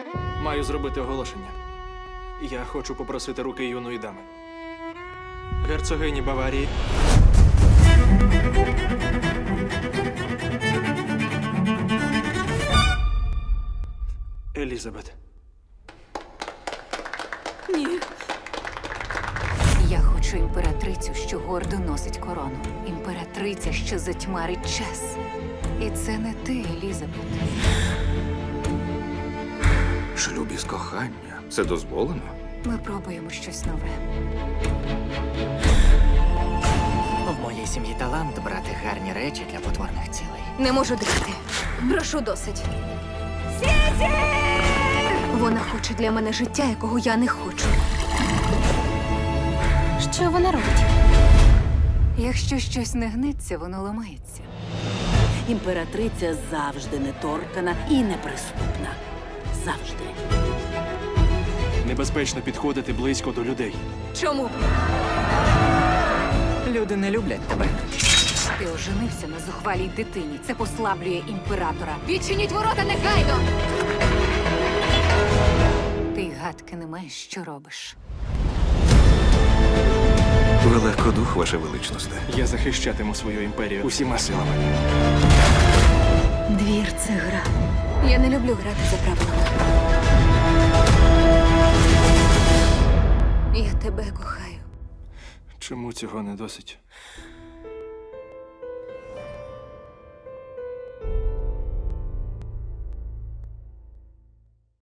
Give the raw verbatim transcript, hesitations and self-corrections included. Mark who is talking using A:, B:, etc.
A: Маю зробити оголошення. Я хочу попросити руки юної дами. Герцогині Баварії. Елізабет.
B: Ні.
C: Я хочу імператрицю, що гордо носить корону. Імператриця, що затьмарить час. І це не ти, Елізабет.
D: Шлюб із кохання. Це дозволено?
C: Ми пробуємо щось нове.
E: В моїй сім'ї талант брати гарні речі для потворних цілей.
C: Не можу дихати. Прошу досить. Вона хоче для мене життя, якого я не хочу.
B: Що вона робить?
C: Якщо щось не гниться, воно ламається.
F: Імператриця завжди неторкана і неприступна. Завжди.
A: Небезпечно підходити близько до людей.
C: Чому?
E: Люди не люблять тебе.
C: Ти оженився на зухвалій дитині. Це послаблює імператора. Відчиніть ворота негайно! Ти й гадки не маєш, що робиш.
D: Ви легкодух, ваше величносте.
A: Я захищатиму свою імперію усіма силами.
C: Двір – це гра. Я не люблю грати за правилами. Я тебе кохаю.
A: Чому цього не досить?